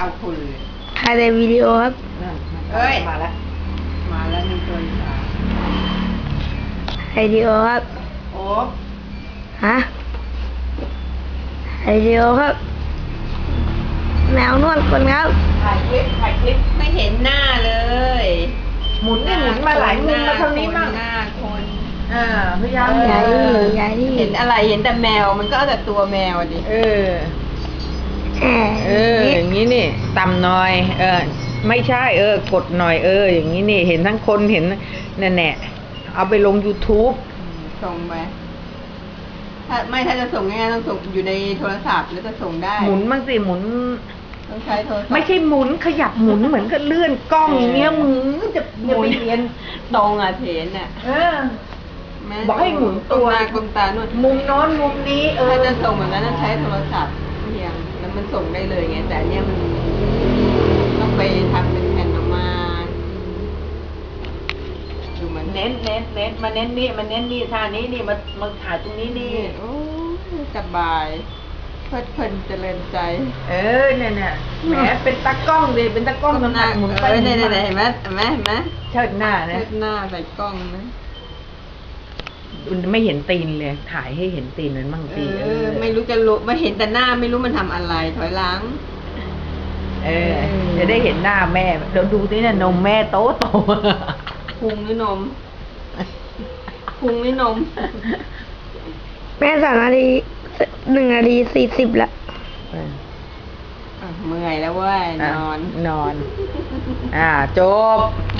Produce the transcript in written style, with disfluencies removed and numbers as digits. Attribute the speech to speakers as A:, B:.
A: เอาคุณเลย
B: ถ่ายแต่วิดีโอครับ
A: เอ้ย
C: มาแล้ว
A: มาแล้ว1 ตัวอีกแล้ว
B: ถ่ายวิดีโอครับ
A: โอ้
B: ฮะถ่ายวิดีโอครับ แมวนวดคนครับ
C: ถ่ายคลิป
A: ไม่เห็นหน้าเลย
C: หมุนนี่หมุนมาหลายมุมมาทางนี้มั่ง
A: หน้าคน
C: พยายาม
B: อย่าดิอย่าดิ
A: เห็นอะไรเห็นแต่แมวมันก็เอาแต่ตัวแมวดิ
C: อย่างนี้นี่ต่ำหน่อย ไม่ใช่ กดหน่อย อย่างนี้นี่ เห็นทั้งคนเห็นแน่เอาไปลง YouTube
A: ส่งไปถ้าจะส่งง่ายๆต้องส่งอยู่ในโทรศัพท์แล้วจะส่งได้
C: หมุนบ้างสิหมุน
A: ต้องใช้โทรศัพท์
C: ไม่ใช่หมุนขยับหมุนเหมือนกับเลื่อนกล้องอย่างเงี้ยมึงจะไปเรียน
A: ตรงอ่ะเทนอ่ะ แม่
C: บอกให้หมุนตัว
A: หน้ากลมตาหนวด
C: มุมโน้นมุมนี้
A: ถ้าจะส่งแบบนั้นต้องใช้โทรศัพท์เพียงแล้วมันส่งได้เลยไงแต่อันเนี้ยมันต้องไปทำเป็นแผ่นออกมาดูมัน
C: เน้นมาเน้นนี่ท่านี้นี่มาถ่ายตรงนี้นี่
A: โอ้ยสบายเพลิดเพลินเจริญใจ
C: เนี่ยแหมเป็นตากล้องดิเป็นตากล้องน้ำหนักหมุนไป
A: เนี่ย
C: หมุนมา
A: เห็นไหม
C: เชิดหน้านะ
A: เชิดหน้าใส่กล้องนะ
C: ไม่เห็นตีนเลยถ่ายให้เห็นตีนมันมั่งสิ
A: ไม่รู้จะรู้ไม่เห็นแต่หน้าไม่รู้มันทำอะไรถอยหลัง
C: จะได้เห็นหน้าแม่เดี๋ยวดูสิเนี่ยนมแม่โต
A: พุงหรือนมพุงหรือนม
B: แม่3 นาที 1 นาที 40ละ
A: เมื่อยแล้วเว้ยนอน
C: จบ